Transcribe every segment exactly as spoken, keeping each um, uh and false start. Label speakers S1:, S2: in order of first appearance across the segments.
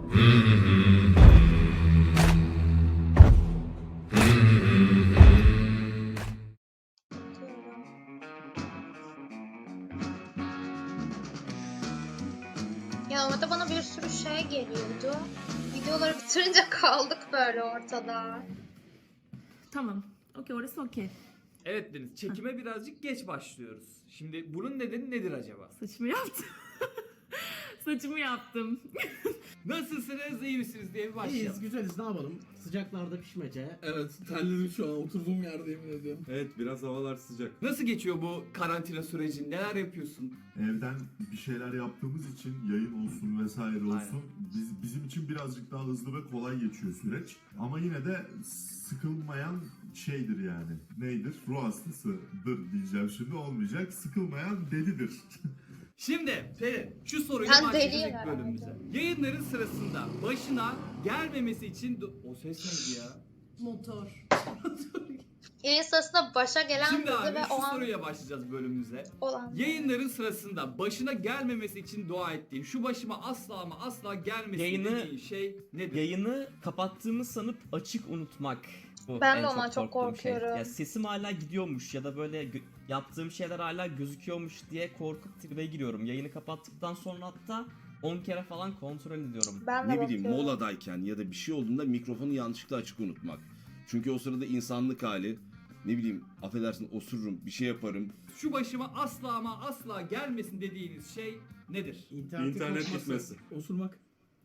S1: Ya orada bana bir sürü şey geliyordu. Videoları bitirince kaldık böyle ortada.
S2: Tamam. Okey, orası okey.
S3: Evet Deniz, çekime birazcık geç başlıyoruz. Şimdi bunun nedeni nedir acaba?
S2: Saçımı yaptım. Saçımı yaptım.
S3: Nasılsınız, iyi misiniz diye bir başlayalım.
S4: İyiyiz, güzeliz, ne yapalım? Sıcaklarda pişmece.
S5: Evet, terledim şu an. Oturduğum yerde yemin ediyorum.
S6: Evet, biraz havalar sıcak.
S3: Nasıl geçiyor bu karantina süreci? Neler yapıyorsun?
S7: Evden bir şeyler yaptığımız için yayın olsun vesaire olsun
S3: Aynen.
S7: biz, bizim için birazcık daha hızlı ve kolay geçiyor süreç. Ama yine de sıkılmayan şeydir yani. Neydir? Ruh hastasıdır diyeceğim şimdi, olmayacak. Sıkılmayan delidir.
S3: Şimdi Pelin, şu soruyla
S1: Ben
S3: başlayacağız
S1: deliyim
S3: ilk
S1: herhalde.
S3: bölümümüze. Yayınların sırasında başına gelmemesi için... do- O ses neydi ya?
S2: Motor.
S1: Yayın sırasında başa gelen
S3: Şimdi
S1: kızı
S3: abi
S1: ve
S3: şu
S1: o an
S3: soruya başlayacağız bölümümüze.
S1: olan.
S3: Yayınların sırasında başına gelmemesi için dua ettiğin, şu başıma asla ama asla gelmesin
S8: Yayını-
S3: dediğin şey nedir?
S8: Yayını kapattığımı sanıp açık unutmak. Bu
S1: Ben
S8: en
S1: de ondan çok
S8: korktuğum şey.
S1: korkuyorum.
S8: Ya sesim hala gidiyormuş ya da böyle gö- yaptığım şeyler hala gözüküyormuş diye korkup tribe giriyorum. Yayını kapattıktan sonra hatta on kere falan kontrol ediyorum.
S1: Ben de
S9: Ne bileyim
S1: bakıyorum.
S9: moladayken ya da bir şey olduğunda mikrofonu yanlışlıkla açık unutmak. Çünkü o sırada insanlık hali, ne bileyim affedersin osururum, bir şey yaparım.
S3: Şu başıma asla ama asla gelmesin dediğiniz şey nedir?
S4: İnternet,
S6: İnternet gitmesi.
S5: Osurmak.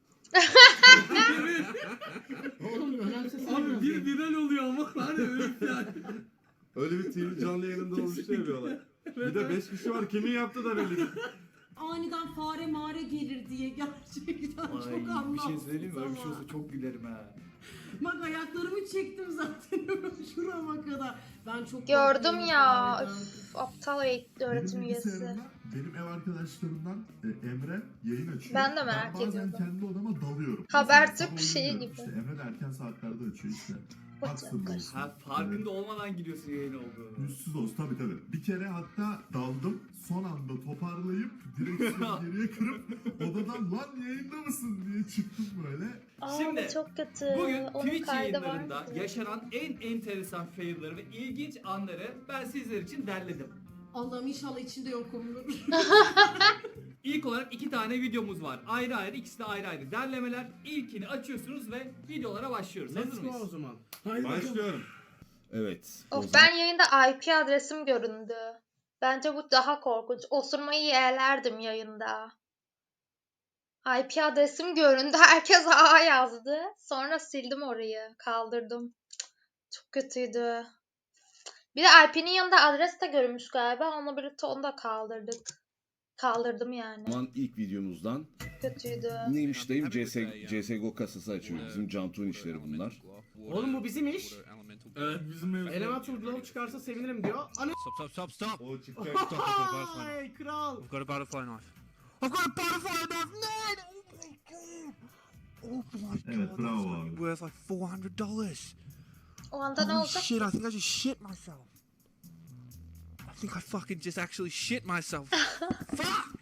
S4: Oğlum önemsesene
S5: Abi
S4: biraz
S5: bir
S4: ya.
S5: viral oluyor ama hani öyle yani.
S6: Öyle bir T V canlı yayınında olmuştu ya bir olay. Bir de beş kişi var, kimin yaptı da belli değil.
S2: Aniden fare mare gelir diye gerçekten
S3: Ay,
S2: çok
S3: bir şey
S2: anlamsız
S3: söyleyeyim mi? Öyle bir şey
S2: ama.
S3: olsa çok gülerim ha.
S2: Bak ayaklarımı çektim zaten şurama kadar. Ben çok
S1: Gördüm
S2: korkuyorum
S1: ya.
S2: fareden.
S1: Üf, aptal eğitim öğretim
S7: Benim
S1: üyesi.
S7: bilgisayarımda benim ev arkadaşlarımdan e, Emre yayın açıyor.
S1: Ben de merak
S7: Ben bazen
S1: ediyordum.
S7: kendi odama dalıyorum.
S1: Habertürk
S7: Mesela sabah
S1: şeyi
S7: uyumuyorum.
S1: gibi.
S7: İşte Emre de erken saatlerde açıyor işte.
S1: What's up,
S7: Haksız
S1: guys?
S7: olsun.
S3: Ha, farkında olmadan giriyorsun yayın olduğunu.
S7: Yüzsüz olsun tabii tabii. Bir kere hatta daldım. Son anda toparlayıp direksiyonu geriye kırıp odadan lan yayında mısın diye çıktım böyle.
S1: Aa,
S3: Şimdi,
S1: bu çok kötü.
S3: Bugün
S1: Onun
S3: Twitch
S1: kaydı var
S3: yayınlarında
S1: mıydı?
S3: yaşanan en enteresan failleri ve ilginç anları ben sizler için derledim.
S2: Allah'ım inşallah içinde yokumdur.
S3: İlk olarak iki tane videomuz var. Ayrı ayrı, ikisi de ayrı ayrı derlemeler. İlkini açıyorsunuz ve videolara başlıyoruz. Hazır
S4: Let's go o
S3: mıyız?
S4: zaman.
S5: Haydi bakalım.
S6: Başlıyorum.
S9: Evet. o
S1: Of,
S9: zaman-
S1: ben yayında I P adresim göründü. Bence bu daha korkunç. Osurmayı yeğlerdim yayında. I P adresim göründü. Herkes A yazdı. Sonra sildim orayı. Kaldırdım. Cık, çok kötüydü. Bir de I P'nin yanında adres de görünmüş galiba. Onunla birlikte onu da kaldırdık. Kaldırdım yani.
S9: O zaman ilk videomuzdan
S1: Kötüydü.
S9: neymiş dayım C S, C S G O kasası açıyor. Bizim Cantu'nun işleri bunlar.
S4: Oğlum bu bizim iş.
S5: Evet bizim mevzu.
S4: Eleman turgulalı çıkarsa sevinirim diyor. Ana
S10: Stop, stop, stop, stop!
S6: O çıkacak.
S10: Stop, I've got a butterfly knife.
S4: Ay kral.
S10: I've got a butterfly knife. I've got a butterfly knife! No! Oh my god! Oh my
S7: Evet,
S10: god,
S7: bravo
S10: that's
S7: abi.
S10: only worth like four hundred dollars.
S1: O anda ne
S10: Holy
S1: olacak?
S10: shit, I think I just shit myself. I think I fucking just actually shit myself. Fuck!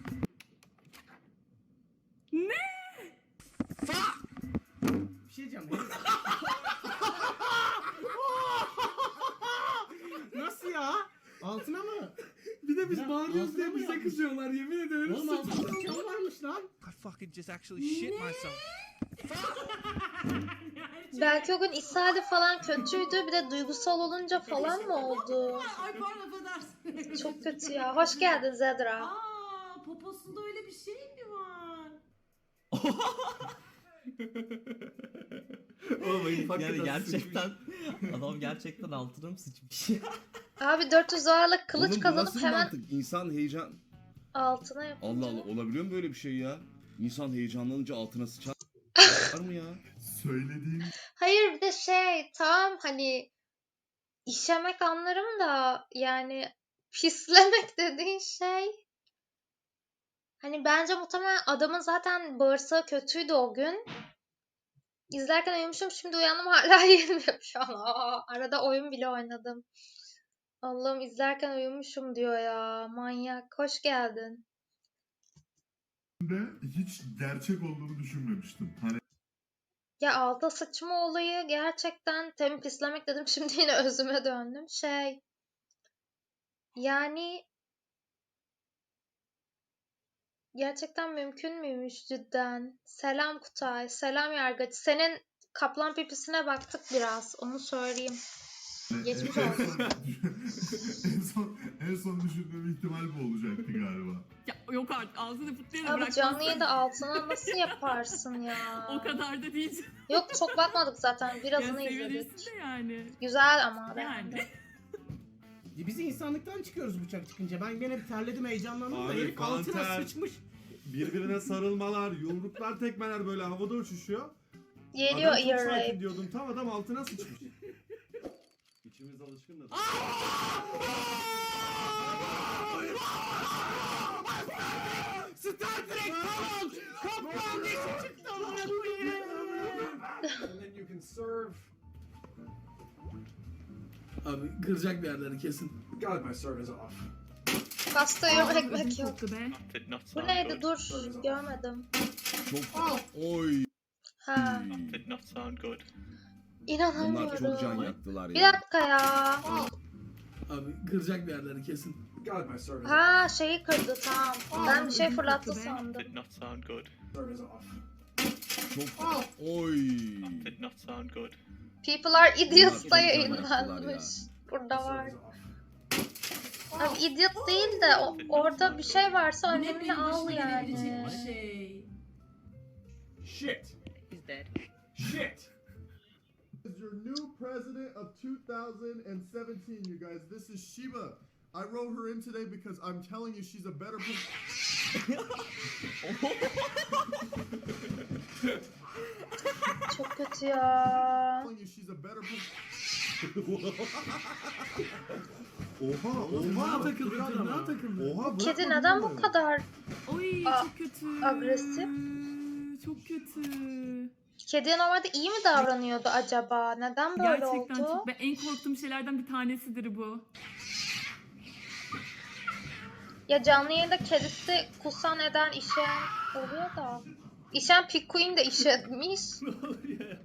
S2: Ne?
S10: Fuck!
S4: Bir şey diyeceğim. Nasıl ya? Altına mı?
S5: Bir de biz
S4: Ya,
S5: bağırıyoruz diye
S4: altına mı
S5: bize
S4: yapmış?
S5: kızıyorlar yemin ederim.
S4: Oğlum altında cam varmış lan.
S10: I fucking just actually shit myself.
S1: Belki o gün ishali falan kötüydü. Bir de duygusal olunca falan mı oldu?
S2: Ay pardon affedersin.
S1: Çok kötü ya. Hoş geldin Zedra.
S2: Aa, poposunda öyle bir şey mi var?
S3: Oğlum ayıp, hakikaten
S8: Yani gerçekten
S3: sıçmış.
S8: adam gerçekten altına mı sıçmış?
S1: Abi dört yüz dolarlık kılıç
S9: Oğlum bu
S1: kazanıp
S9: nasıl bir
S1: hemen
S9: mantık? İnsan heyecan...
S1: altına yapınca.
S9: Allah Allah, olabiliyor mu böyle bir şey ya? İnsan heyecanlanınca altına sıçar Var mı ya?
S7: Söylediğim
S1: Hayır, bir de şey tam hani işemek anlarım da yani pislemek dediğin şey. Hani bence muhtemelen adamın zaten bağırsağı kötüydü o gün. İzlerken uyumuşum, şimdi uyandım hala yenmiyor şu an. Aa, arada oyun bile oynadım. Allah'ım, izlerken uyumuşum diyor ya. Manyak. Hoş geldin.
S7: de hiç gerçek olduğunu düşünmemiştim. Hani
S1: Ya alta sıçma olayı gerçekten temi pislemek dedim. Şimdi yine özüme döndüm. Şey yani gerçekten mümkün müymüş cidden? Selam Kutay, selam Yargıç. Senin kaplan pipisine baktık biraz, onu söyleyeyim. Geçmiş
S7: en,
S1: olsun.
S7: son, en son en son düşündüğüm ihtimal bu olacaktı galiba.
S2: Ya yok artık ağzını fıtlayana
S1: Abi
S2: bırak.
S1: canlı yayında altına nasıl yaparsın ya?
S2: O kadar da değil.
S1: Yok çok bakmadık zaten,
S2: Ya
S1: birazını izledik.
S2: sevebilirsin de yani.
S1: Güzel ama ben.
S2: Yani.
S4: Biz insanlıktan çıkıyoruz bıçak çıkınca. Ben gene bir terledim, heyecanlandım da
S6: Abi,
S4: herif altına
S6: kanter.
S4: sıçmış.
S6: Birbirine sarılmalar, yumruklar, tekmeler böyle havada uçuşuyor.
S1: Geliyor
S6: Adam çok
S1: ear
S6: sakin
S1: rape.
S6: diyordum, tam adam altına sıçmış. İçimiz alışkın da.
S4: Star Trek tamam. Kaplan dişi çıktı amına koyayım.
S5: Abi kıracak bir yerleri kesin.
S1: Kastıyorum, ekmek yok.
S2: Koktu be.
S1: Bu neydi? Dur, görmedim.
S9: Çok oy.
S1: Ha,
S9: Bunlar
S1: inanamıyorum.
S9: çok can yaktılar
S1: Bir
S9: ya.
S1: dakika ya.
S5: Abi kıracak bir yerleri kesin.
S1: Ha, şeyi kırdı, tamam. Ben bir şey fırlattı sandım.
S9: Çok oy.
S1: People are idiots
S9: çok
S1: da
S9: can
S1: yayınlanmış. Burada var. Abi idiot değil de o- orada bir şey varsa önlemini al yani.
S2: şey.
S4: Shit.
S2: He's dead.
S4: Shit.
S7: Is your new president of two thousand seventeen, you guys. This is Shiba. I wrote her in today because I'm telling you she's a better person.
S1: Çok kötü ya.
S7: telling you she's a better person.
S6: Oha,
S5: Oha
S6: oha.
S5: takıldı, tırnağa takıldı.
S6: Oha, bırak
S1: Kedi
S6: onu
S1: neden bu
S6: böyle.
S1: kadar
S2: Oy
S1: Aa,
S2: çok kötü.
S1: agresif?
S2: Çok kötü.
S1: Kediye normalde iyi mi davranıyordu acaba? Neden böyle
S2: Gerçekten
S1: oldu?
S2: çok. Ben en korktuğum şeylerden bir tanesidir bu.
S1: Ya canlı yayında kedisi kusan eden işeyen oluyor da. İşen Pikuin de işetmiş.
S5: Ne oluyor ya?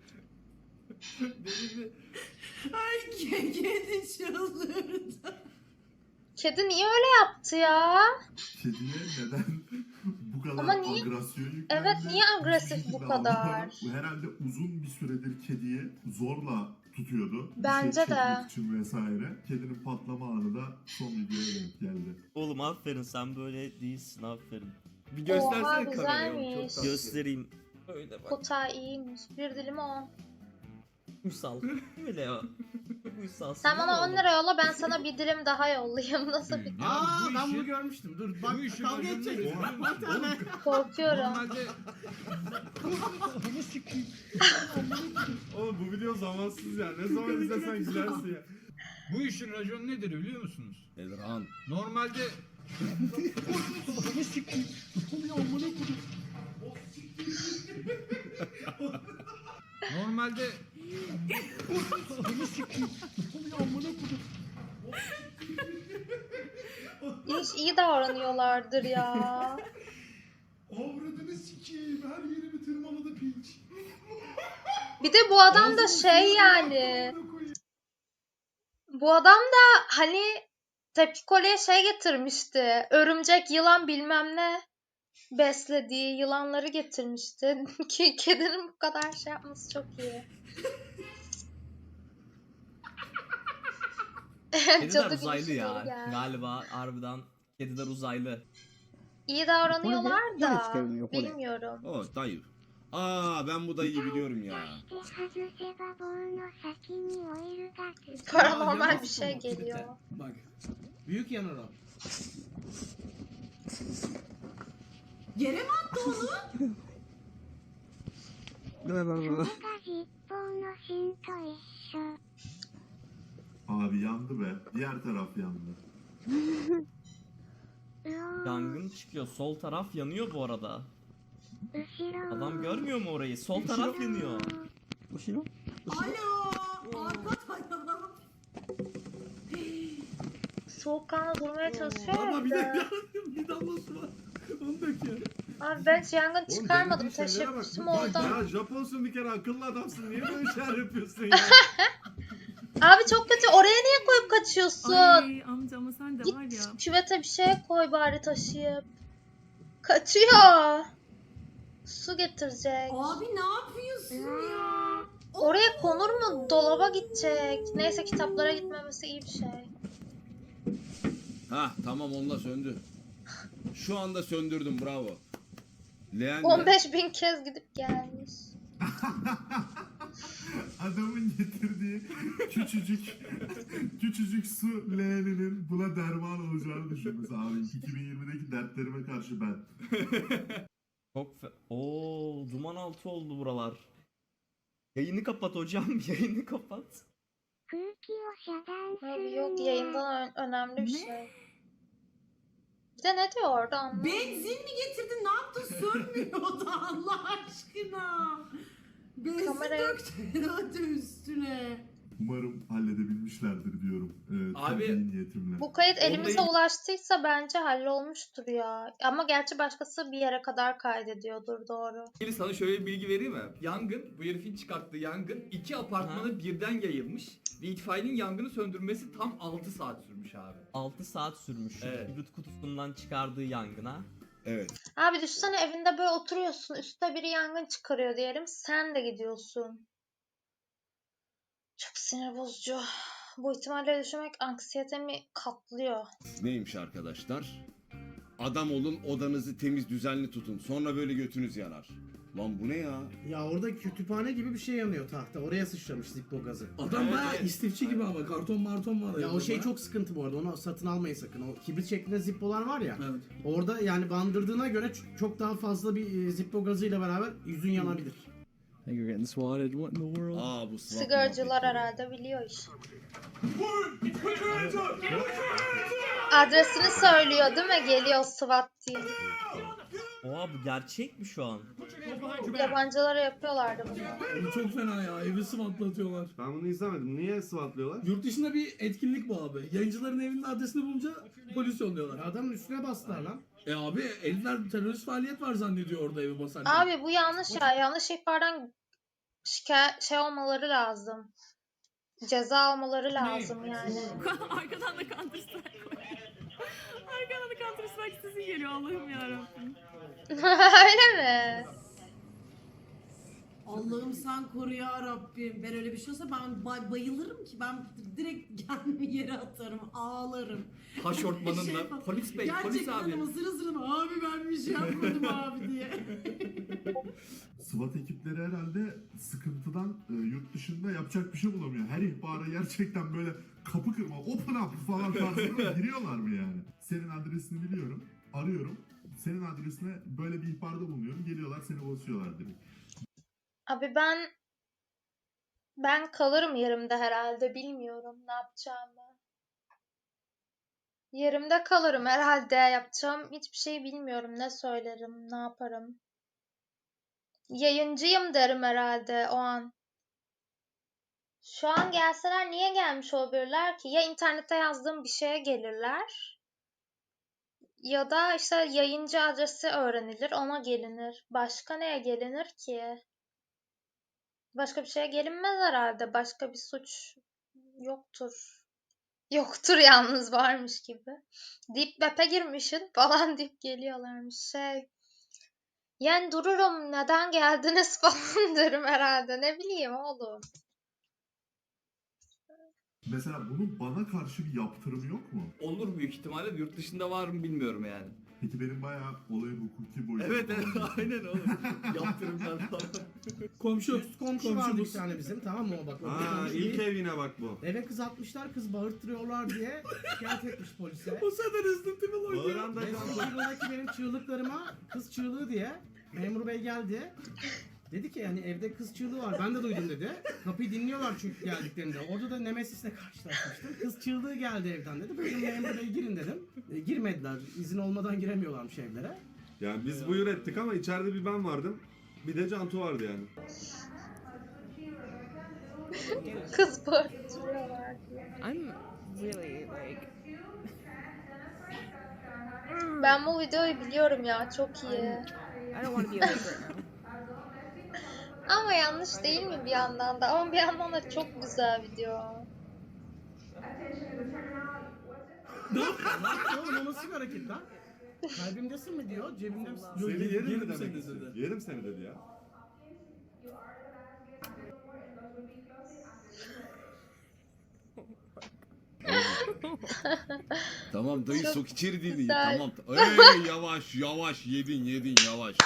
S5: Deli bir-
S2: Ay kedi çıldırdı.
S1: Kedi niye öyle yaptı ya?
S7: Kediye neden bu kadar
S1: Ama niye-
S7: agresyon yüklendi?
S1: Evet, niye agresif
S7: Hiçbir
S1: bu
S7: şekilde
S1: kadar?
S7: anlamadım. Bu herhalde uzun bir süredir kediyi zorla tutuyordu. Bir
S1: Bence
S7: şey
S1: de.
S7: çekmek için vesaire. Kedinin patlama anı da son videoya denk geldi.
S8: Oğlum aferin, sen böyle değilsin, aferin.
S3: Bir göstersene
S1: Oha,
S3: kameraya. oğlum,
S1: güzelmiş.
S3: Çok tatlı.
S8: Göstereyim. Öyle bak.
S1: Kutay iyiymiş. Bir dilim o.
S8: Uysal. Öyle ya. Uysal.
S1: Sen bana on lira yolla, ben sana bir dilim daha yollayayım. Nasıl bir...
S4: Aa
S5: bu
S4: ben
S5: işi-
S4: bunu görmüştüm. Dur bak
S5: bu işi
S4: kavga
S5: başında-
S4: edeceğiz.
S6: Oha.
S4: Bak bir tane.
S1: Korkuyorum.
S5: Normalde
S6: Oğlum bu video zamansız ya. Ne zaman izlesen gülersin ya.
S5: bu işin raconu nedir biliyor musunuz?
S9: Elran.
S5: Normalde Normalde
S1: İyi, iyi davranıyorlardır ya.
S7: Avradını sikeyim, her yerimi tırmaladı piç.
S1: Bir de bu adam da şey yani. Bu adam da hani Tepki Kole'ye şey getirmişti. Örümcek, yılan bilmem ne beslediği yılanları getirmişti. Ki kedinin bu kadar şey yapması çok iyi.
S8: Kediler
S1: Cadı gibi
S8: uzaylı
S1: şey
S8: ya.
S1: geldi.
S8: Galiba harbiden kediler uzaylı.
S1: İyi davranıyorlar da bilmiyorum.
S9: O dayı. Aa ben bu dayıyı biliyorum ya.
S1: Paranormal bir şey geliyor.
S5: bak
S4: Büyük yanar o.
S2: Yere mi attı onu?
S7: Abi yandı be. Diğer taraf yandı.
S8: Yangın çıkıyor. Sol taraf yanıyor bu arada. Adam görmüyor mu orayı? Sol taraf yanıyor.
S2: Alo. Arka tarafı.
S1: Soğukkanlı durmaya çalışıyor
S5: ama bir de
S1: herhalde.
S5: bir damlası var. Onu dök ya.
S1: Abi ben hiç yangın
S6: Oğlum
S1: çıkarmadım.
S6: denediğin şeylere bak.
S1: Teşebbüsüm
S6: Bak
S1: oldu.
S6: Ya Japonsun bir kere, akıllı adamsın. Niye böyle şeyler yapıyorsun ya?
S1: Abi çok kötü. Oraya niye koyup kaçıyorsun?
S2: Ay amca ama sen de var ya.
S1: Git küvete bir şey koy bari taşıyıp. Kaçıyor. Su getirecek.
S2: Abi ne yapıyorsun ya?
S1: Oraya konur mu? Dolaba gidecek. Neyse kitaplara gitmemesi iyi bir şey.
S9: Ha tamam, onunla söndü. Şu anda söndürdüm, bravo. Leğen de-
S1: on beş bin kez gidip gelmiş.
S7: Adamın getirdiği küçücük küçücük su leğeninin buna derman olacağını düşünmesi abi. iki bin yirmideki dertlerime karşı ben.
S8: Çok fe... Oo, duman altı oldu buralar. Yayını kapat hocam, yayını kapat.
S1: Abi yok, yayından ö- önemli bir şey. Bir de ne diyor orada anlamadım.
S2: Benzin mi getirdin? Ne yaptın? Sönmüyordu Allah aşkına. Benzin
S1: Kamerayı-
S2: döktü üstüne.
S7: Umarım halledebilmişlerdir diyorum. Ee,
S3: Abi,
S7: temenni niyetimle.
S1: Bu kayıt
S3: Onda
S1: elimize
S3: il-
S1: ulaştıysa bence hallolmuştur ya. Ama gerçi başkası bir yere kadar kaydediyordur, doğru.
S3: Şimdi sana şöyle bir bilgi vereyim mi? Yangın, bu herifin çıkarttığı yangın iki apartmana birden yayılmış. Ve itfaiyenin yangını söndürmesi tam altı saat sürmüş abi.
S8: altı saat sürmüş şu
S3: Evet.
S8: kibrit kutusundan çıkardığı yangına.
S9: Evet.
S1: Abi düşünsene, evinde böyle oturuyorsun. Üstte biri yangın çıkarıyor diyelim. Sen de gidiyorsun. Çok sinir bozucu. Bu ihtimalleri düşünmek anksiyetemi katlıyor.
S9: Neymiş arkadaşlar? Adam olun, odanızı temiz düzenli tutun. Sonra böyle götünüz yanar. Lan bu ne ya?
S4: Ya orada kütüphane gibi bir şey yanıyor tahta. Oraya sıçramış Zippo gazı.
S5: Adam
S3: Evet,
S5: bayağı
S3: evet.
S5: istifçi gibi ama karton marton var.
S4: Ya
S5: evde
S4: o şey
S5: baya.
S4: çok sıkıntı bu arada. Onu satın almayın sakın. O kibrit şeklinde Zippo'lar var ya.
S5: Evet.
S4: Orada yani bandırdığına göre ç- çok daha fazla bir e, Zippo gazıyla beraber yüzün yanabilir.
S10: I think you're getting swatted. What in the world?
S9: Aa bu swap
S1: Sigaracılar
S9: muhabbetleri.
S1: herhalde biliyor iş. Adresini söylüyor değil mi? Geliyor SWAT diye.
S8: Oha, bu gerçek mi şu an?
S1: Yabancılara yapıyorlardı bunu.
S5: Bu çok fena ya. Evi swatlatıyorlar.
S6: Ben bunu izlemedim. Niye SWAT'lıyorlar?
S5: Yurt dışında bir etkinlik bu abi. Yayıncıların evinin adresini bulunca polis yolluyorlar.
S4: Adamın üstüne bastılar lan.
S5: E abi herifler terörist faaliyet var zannediyor orada evi basarken.
S1: Abi bu yanlış ya. Yanlış ihbardan şikayet şey olmaları lazım. Ceza almaları lazım yani.
S2: Arkadan da Counter Strike koy. Arkadan da Counter Strike sesi geliyor Allah'ım yarabbim.
S1: Öyle mi?
S2: Allah'ım sen koru ya Rabbim. Ben öyle bir şey olsa ben bay- bayılırım ki. Ben direkt kendimi yere atarım. Ağlarım.
S3: Haşortmanınla.
S2: Şey-
S3: Polis bey, polis
S2: Gerçekten
S3: abi.
S2: ama sırı sırı abi ben bir şey yapmadım abi diye.
S7: SWAT ekipleri herhalde sıkıntıdan e, yurt dışında yapacak bir şey bulamıyor. Her ihbara gerçekten böyle kapı kırma, open up falan tarzında giriyorlar mı yani? Senin adresini biliyorum, arıyorum. Senin adresine böyle bir ihbarda bulunuyorum. Geliyorlar seni basıyorlar direkt.
S1: Abi ben ben kalırım yerimde herhalde. Bilmiyorum ne yapacağımı. Yerimde kalırım herhalde. Yapacağım hiçbir şey bilmiyorum. Ne söylerim, ne yaparım. Yayıncıyım derim herhalde o an. Şu an gelseler niye gelmiş olabilirler ki? Ya internette yazdığım bir şeye gelirler. Ya da işte yayıncı adresi öğrenilir, ona gelinir. Başka neye gelinir ki? Başka bir şeye gelinmez herhalde. Başka bir suç yoktur. Yoktur yalnız, varmış gibi. Deep Web'e girmişsin falan deyip geliyorlarmış. Şey. Yani dururum, neden geldiniz falan derim herhalde. Ne bileyim oğlum.
S7: Mesela bunun bana karşı bir yaptırımı yok mu?
S3: Olur büyük ihtimalle. Yurt dışında var mı bilmiyorum yani.
S7: Peki benim bayağı olayın hukuki boyutu.
S3: Evet evet
S7: falan.
S3: aynen oğlum. Yaptırımlar falan.
S5: Komşu.
S4: Üst komşu
S5: komşu
S4: vardı
S5: bu.
S4: bir tane bizim, tamam mı o bak. o
S6: Aa
S4: komşu
S6: ilk
S4: değil.
S6: ev yine bak bu.
S4: Eve kız atmışlar, kız bağırttırıyorlar diye şikayet etmiş polise.
S5: O sene Resident Evil oynuyor.
S6: Bağıran da
S4: Resident Evil'daki benim çığlıklarıma kız çığlığı diye memur bey geldi. Dedi ki yani evde kız çığlığı var, ben de duydum dedi. Kapıyı dinliyorlar çünkü geldiklerinde. Orada da Nemesis'le karşılaşmıştım. Kız çığlığı geldi evden dedi. Buyurun memur bey girin dedim. E, girmediler. İzin olmadan giremiyorlarmış evlere.
S6: Yani biz buyur ettik ama içeride bir ben vardım. Bir de Cantu vardı yani.
S1: Kız bağırtıyorlar diye.
S11: I'm really like
S1: Ben bu videoyu biliyorum ya, çok iyi.
S11: I'm I don't want to be awake right now.
S1: Ama yanlış değil mi bir yandan da? Ama bir yandan da çok güzel video.
S4: Ne yaptı oğlum? O nasıl bir hareket lan? Kalbimdesin mi diyor, cebimde misin?
S5: Yok,
S6: Seni
S5: yerim,
S6: yerim mi
S5: yerim
S6: demek
S5: seni
S6: istiyor?
S5: dedi.
S6: Yerim seni dedi ya.
S9: Tamam dayı
S1: Çok
S9: sok içeri dilini.
S1: güzel.
S9: Tamam. Ey yavaş yavaş yedin yedin yavaş.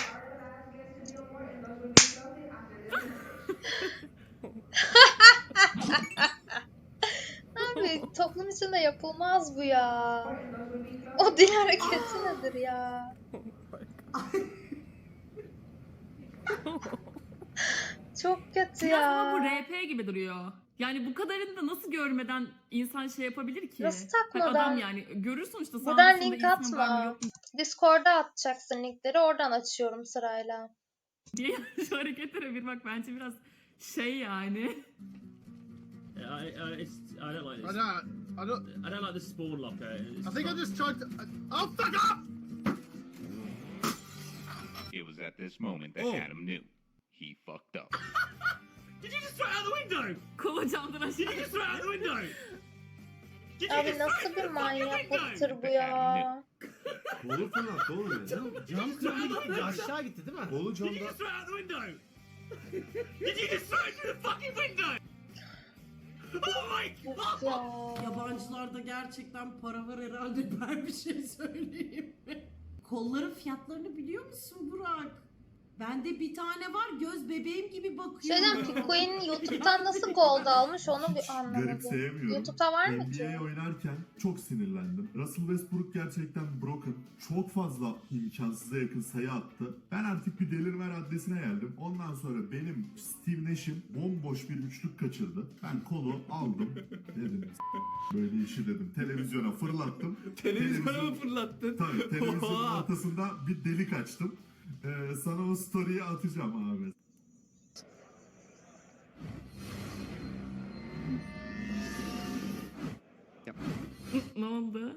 S1: Abi toplum içinde yapılmaz bu ya. O dil hareketi nedir ya? Çok kötü
S12: Biraz ama bu
S1: ya.
S12: R P gibi duruyor. Yani bu kadarını da nasıl görmeden insan şey yapabilir ki?
S1: Nasıl
S12: Bak
S1: takmadan?
S12: adam yani görür sonuçta
S1: Buradan
S12: sağında
S1: link
S12: solunda ismi var mı
S1: atma.
S12: yok mu
S1: Discord'a atacaksın linkleri. Oradan açıyorum sırayla.
S12: diye şu hareketlere bir bak bence biraz şey yani.
S5: I, I, it's, I don't like
S10: I
S5: this.
S10: don't, I don't,
S5: I don't like this spawn locker. It's
S10: I think I
S5: not-
S10: just tried to. Oh, fuck up!
S13: It was at this moment that
S9: Oh.
S13: Adam knew he fucked up.
S5: Did you just throw it out the window?
S12: Kolu camdan aşağı.
S5: Did you just throw it out the window? Did you
S1: Abi
S5: just throw
S1: nasıl
S5: it
S1: bir
S5: through the fucking window?
S1: manyaklıktır bu ya?
S6: Kolu fırlattı oğlum ya.
S4: Cam kırıldı gitti, aşağı gitti değil mi?
S6: Kolu
S5: Did you
S6: camda.
S5: just throw it out the window? Did you just throw it through the fucking window? Oh my
S1: Of
S5: god!
S1: ya.
S2: Yabancılarda gerçekten para var herhalde, ben bir şey söyleyeyim mi? Kolların fiyatlarını biliyor musun Burak? Bende bir tane var, göz bebeğim gibi bakıyor.
S1: Şeyden Pikuin YouTube'dan nasıl gold almış onu bir anlamadım.
S7: Garipseyemiyorum.
S1: YouTube'da var mı
S7: N
S1: ki?
S7: B A oynarken çok sinirlendim. Russell Westbrook gerçekten broken. Çok fazla imkansıza yakın sayı attı. Ben artık bir delirme raddesine geldim. Ondan sonra benim Steve Nash'im bomboş bir üçlük kaçırdı. Ben kolu aldım. Dedim "S- böyle işi dedim. Televizyona fırlattım.
S3: Televizyona
S7: Televizyon-
S3: mı fırlattın?
S7: Tabii televizyonun
S3: Oha!
S7: ortasında bir delik açtım. Ee, sana o story'i atacağım abi.
S12: Ne oldu?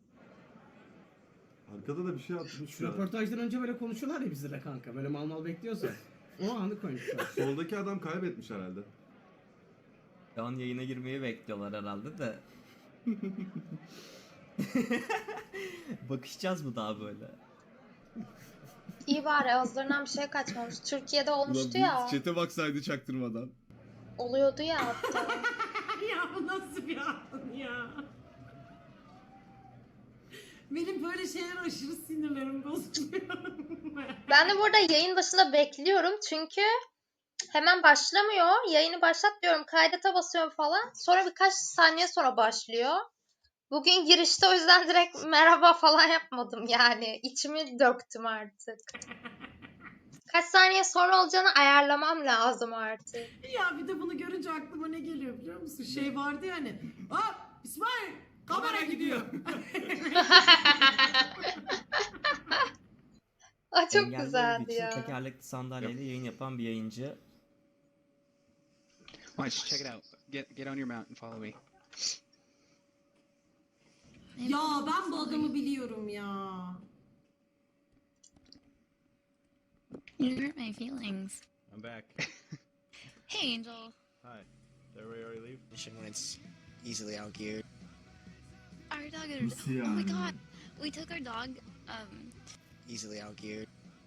S6: Arkada da bir şey atmış
S4: Şu
S6: şu an.
S4: röportajdan önce böyle konuşuyorlar ya bizle kanka. Böyle mal mal bekliyorsa. O anı koymuşlar.
S6: Soldaki adam kaybetmiş herhalde.
S8: Şu an yayına girmeyi bekliyorlar herhalde de. Bakışacağız mı daha böyle?
S1: İyi bari ağızlarından bir şey kaçmamış. Türkiye'de olmuştu ya.
S9: Çete baksaydı çaktırmadan.
S1: Oluyordu ya hatta.
S2: Ya bu nasıl bir an ya? Benim böyle şeyler aşırı sinirlerim bozuluyor.
S1: Ben de burada yayın başında bekliyorum çünkü hemen başlamıyor. Yayını başlat diyorum, kaydete basıyorum falan. Sonra birkaç saniye sonra başlıyor. Bugün girişte o yüzden direkt merhaba falan yapmadım yani. İçimi döktüm artık. Kaç saniye sonra olacağını ayarlamam lazım artık.
S2: Ya bir de bunu görünce aklıma ne geliyor biliyor musun? Şey vardı ya hani. Aa İsmail kamera gidiyor.
S1: Aa, çok
S8: Engelli olduğu
S1: güzeldi
S8: için
S1: ya.
S8: tekerlekli sandalyeyle yayın yapan bir yayıncı.
S13: Watch, check it out. Get get on your mount and follow me.
S2: Ya ben bu adamı biliyorum ya.
S11: You hurt my feelings.
S13: I'm back.
S11: Hey, Angel.
S13: Hi. Did everybody already leave?
S10: Mission when it's easily outgeared.
S11: Our dog.
S7: Nasıl
S11: Oh my
S7: yani?
S11: god. We took our dog. Um.
S10: Easily outgeared.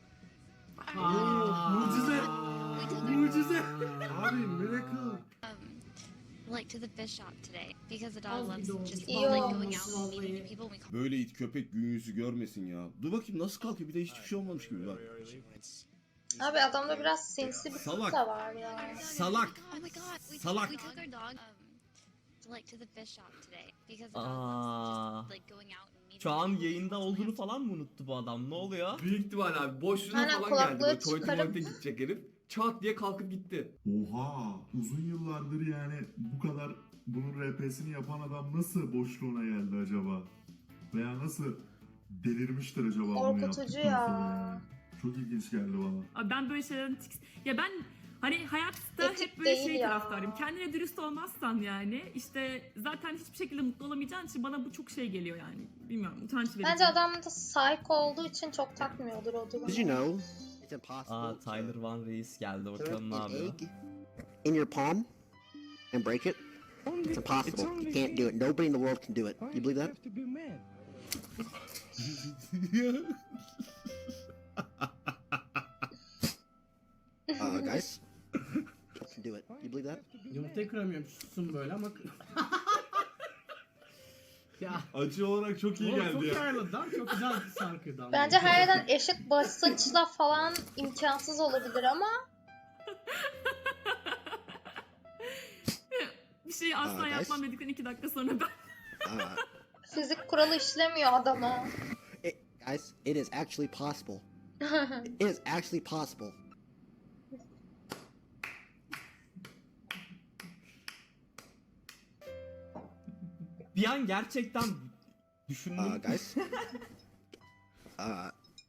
S5: Oo, mucize.
S11: We took our
S5: Mucize.
S6: Abi miracle.
S11: um, like to the fish shop today because the dog
S2: Az bir
S11: loves
S2: de olmuş.
S11: just
S1: İyi
S11: like
S1: olmuş
S11: going out and meeting
S2: vallahi.
S11: new people. We call
S9: Böyle it köpek gün yüzü görmesin ya. Dur bakayım nasıl kalkıyor bir de hiçbir şey olmamış gibi bak.
S10: Mission when it's
S1: Abi adamda biraz sinsi bir
S9: Salak.
S1: tip de var ya.
S9: Salak.
S11: Oh my god. We,
S9: Salak.
S11: we took our dog um like to the fish shop today because the dog
S8: Aa.
S11: loves just like going out and meeting
S8: Şu an
S11: new people.
S8: yayında olduğunu falan mı unuttu bu adam? Ne oluyor?
S3: Büyük ihtimal abi. Boşluğuna
S1: Aynen,
S3: falan
S1: kulaklığı
S3: geldi. Böyle tuvalete
S1: çıkarıp-
S3: muvalete gidecek herif. Çat diye kalkıp gitti.
S7: Oha! Uzun yıllardır yani bu kadar bunun R P'sini yapan adam nasıl boşluğuna geldi acaba? Veya nasıl delirmiştir acaba bunu
S1: Korkutucu
S7: yaptıktan
S1: ya.
S7: sonra yani? Çok ilginç geldi bana.
S12: Abi ben böyle şeylerden tiks... Ya ben Hani hayatta
S1: Etik
S12: hep böyle
S1: değil
S12: şey
S1: ya.
S12: taraftarıyım. Kendine dürüst olmazsan yani işte zaten hiçbir şekilde mutlu olamayacağın için bana bu çok şey geliyor yani. Bilmiyorum, utanç verici.
S1: Bence adam da psycho olduğu için çok takmıyordur o durumu.
S14: Did you know it's impossible
S8: Aa Tyler Van Reis geldi,
S14: to
S8: bakalım ne
S14: an
S8: yapıyor.
S14: egg in your palm and break it? It's impossible. You can't do it. Nobody in the world can do it. You believe that? Uh, guys, can do it. You believe that?
S4: Yumurtayı kıramıyorum. Susun böyle ama... ya.
S6: Acı olarak çok iyi
S4: Oğlum,
S6: geldi
S4: çok
S6: ya.
S4: iyi ayarladı lan. Çok güzel bir şarkıydı ama.
S1: Bence her yerden eşit basınçla falan imkansız olabilir ama
S12: Bir şeyi asla
S14: Aa,
S12: yapmam
S14: guys.
S12: dedikten iki dakika sonra ben
S14: Uh,
S1: fizik kuralı işlemiyor adama.
S14: it, guys, it is actually possible. It is actually possible.
S8: Bir an gerçekten düşündüm.
S14: Uh, guys. Uh,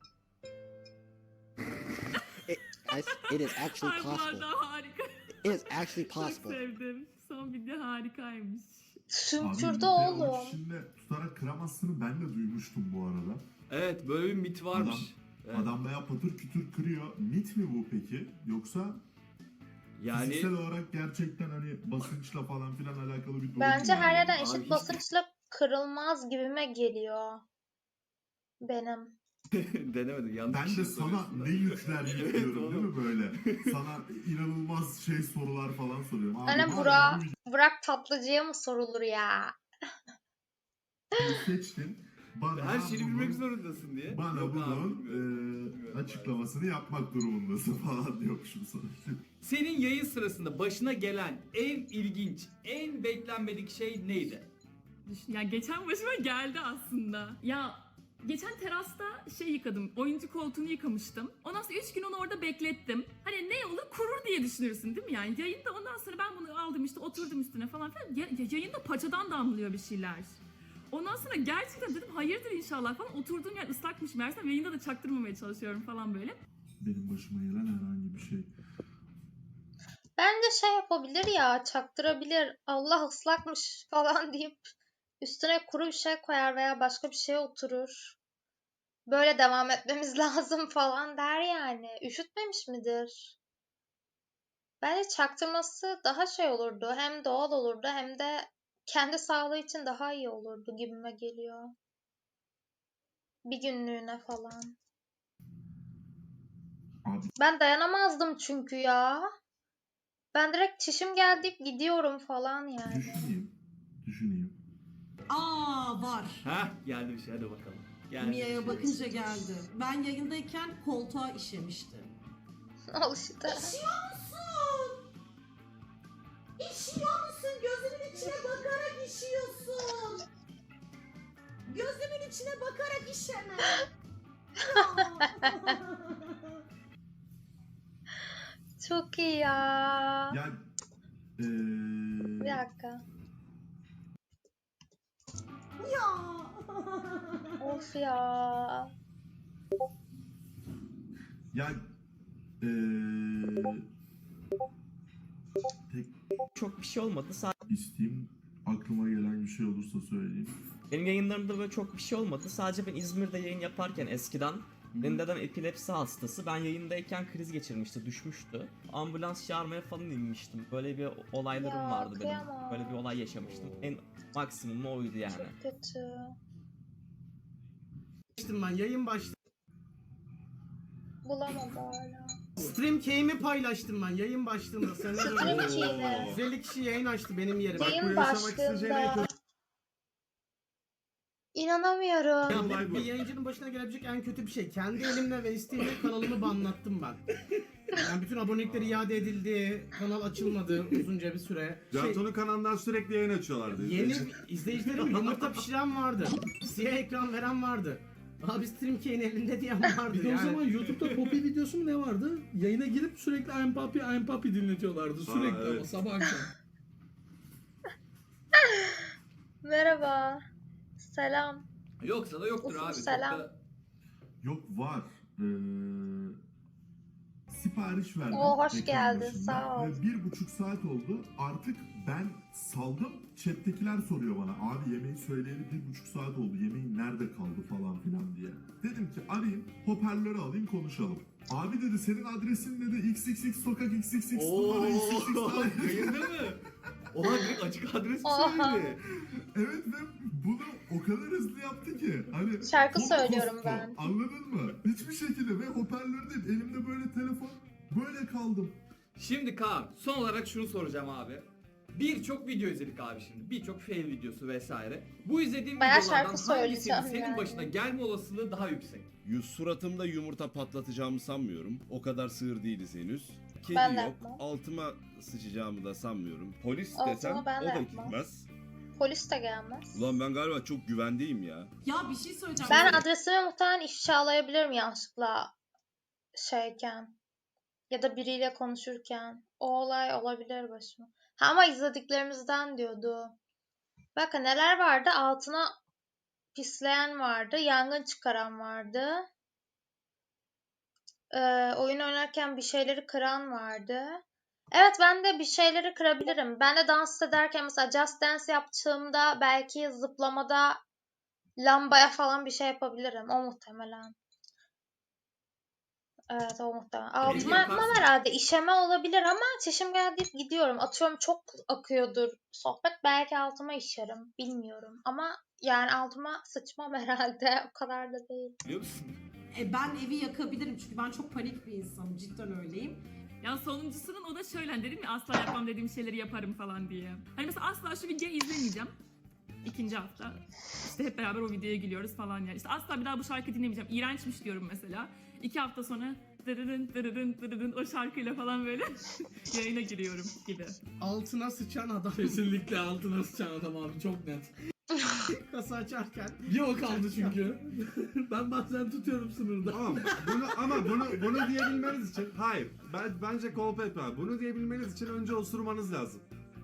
S14: it, guys, it is actually
S12: Ay bu
S14: possible.
S12: arada harika.
S14: It is actually
S12: Çok
S14: possible.
S12: sevdim. Son video harikaymış.
S1: Sümkürdü
S7: yumurtayı avuç
S1: oğlum.
S7: içinde tutarak kıramazsını ben de duymuştum bu arada.
S3: Evet, böyle bir mit varmış. Evet.
S7: Adam bayağı patır kütür kırıyor. Mit mi bu peki? Yoksa
S3: Yani
S7: fiziksel olarak gerçekten hani basınçla falan filan alakalı bir durum
S1: Bence
S7: mu
S1: her
S7: yani?
S1: yerden
S3: Abi
S1: eşit
S3: hiç-
S1: basınçla kırılmaz gibime geliyor. Benim.
S3: denemedim, yanlış
S7: Ben
S3: bir şey
S7: de sana
S3: soruyorsun da.
S7: ne yükler yüklüyorum
S3: Evet,
S7: değil mi böyle? Sana inanılmaz şey sorular falan soruyorum. Abi
S1: Annem
S7: var
S1: Burak,
S7: ya,
S1: Burak Tatlıcı'ya mı sorulur ya?
S7: bu videoyu seçtin. Bana
S3: Her şeyi
S7: bunun-
S3: bilmek zorundasın diye.
S7: Bana
S3: Yok abi,
S7: bunun
S3: bilmiyorum.
S7: e, açıklamasını yapmak durumundasın falan diyormuşum sana.
S3: Senin yayın sırasında başına gelen en ilginç, en beklenmedik şey neydi?
S12: Düşün, ya geçen başıma geldi aslında. Ya geçen terasta şey yıkadım, oyuncu koltuğunu yıkamıştım. Ondan sonra üç gün onu orada beklettim. Hani ne olur kurur diye düşünürsün değil mi yani? Yayında ondan sonra ben bunu aldım işte oturdum üstüne falan filan. Ya, ya- yayında paçadan damlıyor bir şeyler. Ondan sonra gerçekten dedim hayırdır inşallah falan. Oturduğum yer ıslakmış meğersem, yayında da çaktırmamaya çalışıyorum falan böyle.
S7: Benim başıma gelen herhangi bir şey.
S1: Bence şey yapabilir ya, çaktırabilir. Allah ıslakmış falan deyip üstüne kuru bir şey koyar veya başka bir şeye oturur. Böyle devam etmemiz lazım falan der yani. Üşütmemiş midir? Bence çaktırması daha şey olurdu. Hem doğal olurdu hem de kendi sağlığı için daha iyi olurdu gibime geliyor. Bir günlüğüne falan.
S7: Abi
S1: Ben dayanamazdım çünkü ya. Ben direkt çişim geldi deyip gidiyorum falan yani.
S7: düşüneyim. Düşüneyim.
S2: Aa var.
S3: Heh, geldi bir şey, hadi bakalım. Geldi bir
S2: Mia'ya
S3: şey.
S2: bakınca geldi. Ben yayındayken koltuğa işemişti.
S1: Al işte.
S2: İşiyor musun? İşiyor musun? Gözümün içine bakarak işiyorsun. Gözümün içine bakarak işeme.
S1: Çok iyi ya.
S7: Ya eee
S1: Bir dakika.
S2: Ya.
S1: Of ya.
S7: ya eee tek
S8: Çok bir şey olmadı. Sadece
S7: isteğim aklıma gelen bir şey olursa söyleyeyim.
S8: benim yayınlarımda böyle çok bir şey olmadı. Sadece ben İzmir'de yayın yaparken eskiden benim dedem epilepsi hastası. Ben yayındayken kriz geçirmişti, düşmüştü. Ambulans çağırmaya falan inmiştim. Böyle bir olaylarım
S1: Ya,
S8: vardı benim.
S1: kıyamam.
S8: Böyle bir olay yaşamıştım. En maksimumu oydu yani.
S1: Kötü.
S4: Ben yayın başladı.
S1: Bulamadı hala.
S4: Stream key'imi paylaştım ben yayın başlığında. Seneler
S1: Stream
S4: önce.
S1: key'ini.
S4: yüz elli kişi yayın açtı benim yerime.
S1: Yayın başlığında. İnanamıyorum.
S4: Ya
S6: Olay
S4: bir,
S6: bu.
S4: bir yayıncının başına gelebilecek en kötü bir şey. Kendi elimle ve isteğimle kanalımı banlattım ben. Yani bütün abonelikler iade edildi, kanal açılmadı uzunca bir süre. Şey,
S6: Canto'nun kanalından sürekli yayın açıyorlardı.
S4: yeni izleyicilerim yumurta pişiren vardı. Siyah ekran veren vardı. Abi stream key'in elinde diyen vardı
S15: Bir de
S4: yani.
S15: o zaman YouTube'da Poppy videosu mu ne vardı? Yayına girip sürekli I'm Poppy, I'm Poppy dinletiyorlardı. Sürekli
S6: evet.
S15: ama sabah akşam.
S1: Merhaba. Selam.
S3: Yoksa da yoktur
S1: Ufuk,
S3: abi. Çok
S1: selam.
S3: da-
S7: Yok var. Eee sipariş verdim.
S1: Oo, hoş
S7: ekran
S1: geldin,
S7: başında.
S1: sağ ol.
S7: Ve bir buçuk saat oldu. Artık ben saldım. Chat'tekiler soruyor bana. Abi yemeği söyleyeli bir buçuk saat oldu. Yemeğin nerede kaldı falan filan diye. Dedim ki arayayım, hoparlörü alayım, konuşalım. Abi dedi senin adresin dedi X X X sokak X X X numara X X X daire.
S3: Yayında mı? Ulan direkt açık adres mi
S1: Oha.
S3: söyledi?
S7: Evet ve bunu o kadar hızlı yaptı ki. Hani
S1: Şarkı
S7: çok
S1: söylüyorum
S7: kostu,
S1: ben.
S7: Anladın mı? Hiçbir şekilde ve hoparlör değil. Elimde böyle telefon. Böyle kaldım.
S3: Şimdi Kaan, son olarak şunu soracağım abi. Birçok video izledik abi şimdi. Birçok fail videosu vesaire. Bu izlediğim
S1: Bayağı
S3: videolardan
S1: şarkı
S3: hangisinin
S1: söyleyeceğim
S3: senin
S1: yani.
S3: başına gelme olasılığı daha yüksek?
S9: Yu- Suratımda yumurta patlatacağımı sanmıyorum. O kadar sığır değiliz henüz. Kedi
S1: Ben de
S9: yok.
S1: yapmam.
S9: Altıma sıçacağımı da sanmıyorum. Polis
S1: Altıma
S9: desem
S1: ben de
S9: o da
S1: yapmam.
S9: gitmez.
S1: Polis de gelmez.
S9: Ulan ben galiba çok güvendeyim ya.
S2: Ya bir şey söyleyeceğim.
S1: Ben adresimi muhtemelen ifşalayabilirim yanlışlıkla şeyken. Ya da biriyle konuşurken. O olay olabilir başıma. Ha, ama izlediklerimizden diyordu. Bakın neler vardı? Altına pisleyen vardı. Yangın çıkaran vardı. Ee, oyun oynarken bir şeyleri kıran vardı. Evet, ben de bir şeyleri kırabilirim. Ben de dans ederken mesela Just Dance yaptığımda belki zıplamada lambaya falan bir şey yapabilirim. O muhtemelen. Evet, o muhtemelen. Altıma yapmam
S3: yaparsın.
S1: herhalde. İşeme olabilir ama çişim geldi deyip gidiyorum. Atıyorum çok akıyordur sohbet. Belki altıma işerim. Bilmiyorum. Ama yani altıma sıçmam herhalde. O kadar da değil.
S3: Biliyor musun?
S2: E, ben evi yakabilirim çünkü ben çok panik bir insanım. Cidden öyleyim.
S12: Ya sonuncusunun o da şöyle hani dedim ya asla yapmam dediğim şeyleri yaparım falan diye. Hani mesela asla şu videoyu izlemeyeceğim. İkinci hafta. İşte hep beraber o videoya gülüyoruz falan yani. İşte asla bir daha bu şarkı dinlemeyeceğim. İğrençmiş diyorum mesela. İki hafta sonra dırırın dırırın dırırın o şarkıyla falan böyle yayına giriyorum gibi.
S4: Altına sıçan adam.
S15: Kesinlikle altına sıçan adam abi çok net.
S4: Kasa açarken.
S15: Bir o kaldı çünkü. Ben bazen tutuyorum sınırda.
S6: Tamam. Bunu, ama bunu bunu diyebilmeniz için hayır. Ben bence Kolpet var. Bunu diyebilmeniz için önce osurmanız lazım.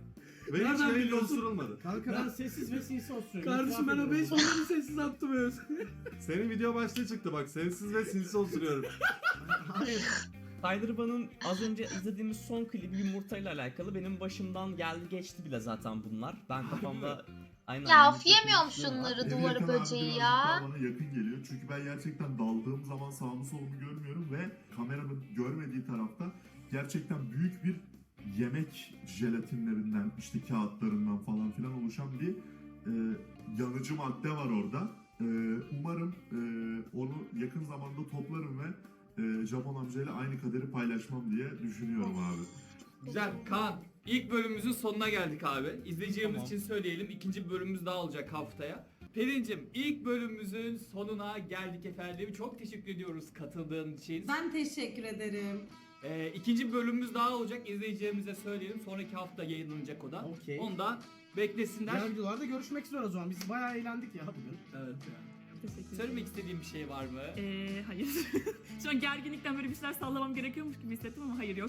S6: Ve hiç
S15: Nereden
S6: yayında
S15: biliyorsun?
S6: osurulmadı.
S4: Kanka ben sessiz ve sinsi osuruyorum.
S15: Kardeşim ben o beş milyonu sessiz attım öz.
S6: Senin video başlığı çıktı bak. Sensiz ve sinsi osuruyorum.
S4: Hayır.
S8: Tyler Bane'ın az önce izlediğimiz son klibi yumurtayla alakalı benim başımdan geldi geçti bile zaten bunlar. Ben kafamda aynen.
S1: Ya
S8: yumurta
S1: of, yemiyorum
S8: konuşuyorum.
S1: şunları
S7: Evi
S1: duvarı
S7: yakan abi
S1: böceği
S7: birazcık
S1: ya.
S7: daha bana yakın geliyor. Çünkü ben gerçekten daldığım zaman sağımı solumu görmüyorum ve kameramın görmediği tarafta gerçekten büyük bir yemek jelatinlerinden, işte kağıtlarından falan filan oluşan bir e, yanıcı madde var orada. E, umarım e, onu yakın zamanda toplarım ve e, Japon amcayla aynı kaderi paylaşmam diye düşünüyorum abi.
S3: Güzel. Kaan, ilk bölümümüzün sonuna geldik abi. İzleyicilerimiz
S8: Tamam.
S3: için söyleyelim. İkinci bölümümüz daha olacak haftaya. Pelin'cim, ilk bölümümüzün sonuna geldik efendim. Çok teşekkür ediyoruz katıldığın için.
S2: Ben teşekkür ederim.
S3: Ee, ikinci bölümümüz daha olacak. İzleyicilerimize söyleyelim. Sonraki hafta yayınlanacak o da.
S4: Okey.
S3: Onu da beklesinler.
S4: Diğer videolarda görüşmek üzere o zaman. Biz bayağı eğlendik ya bugün.
S3: Evet.
S12: Teşekkür ederim.
S3: Söylemek istediğim bir şey var mı?
S12: Ee, hayır. Şu an gerginlikten böyle bir şeyler sallamam gerekiyormuş gibi hissettim ama hayır yok.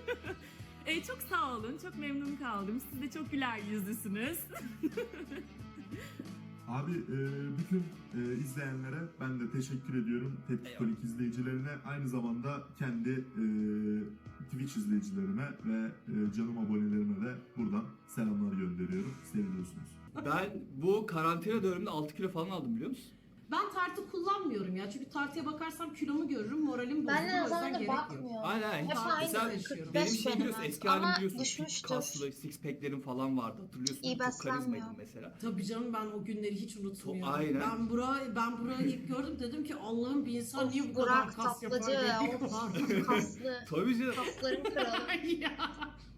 S12: ee, çok sağ olun. Çok memnun kaldım. Siz de çok güler yüzlüsünüz.
S7: Abi e, bütün e, izleyenlere ben de teşekkür ediyorum. Tepkikolik izleyicilerine, aynı zamanda kendi e, Twitch izleyicilerime ve e, canım abonelerime de buradan selamlar gönderiyorum. Seviyorsunuz.
S3: Ben bu karantina döneminde altı kilo falan aldım biliyor musun?
S2: Ben tartı kullanmıyorum ya. Çünkü tartıya bakarsam kilomu görürüm, moralim bozulur.
S1: Ben de
S2: O
S1: o
S2: yüzden
S1: zaman da
S2: gerek yok.
S1: bakmıyorum.
S3: Aynen aynen.
S1: Hep
S3: Hiç-
S1: aynı
S3: Mesela
S2: yaşıyorum.
S3: benim
S1: beş
S3: şey biliyorsun,
S1: benim.
S3: eski halimi
S1: Ama
S3: biliyorsun. Fit
S1: düşmüştür.
S3: kaslı, six pack'lerim falan vardı. Hatırlıyorsun.
S1: İyi
S3: Çok karizmaydım
S1: beslenmiyor.
S3: mesela.
S2: Tabii canım, ben o günleri hiç unutmuyorum.
S3: Aynen.
S2: Ben burayı ben burayı ilk gördüm, dedim ki Allah'ım, bir insan niye bu kadar
S1: Burak
S2: kas yapar?
S1: tatlıcı ya.
S2: diye.
S1: Of, kaslı.
S3: Tabii canım.
S1: Kasların kralı.
S2: Ya.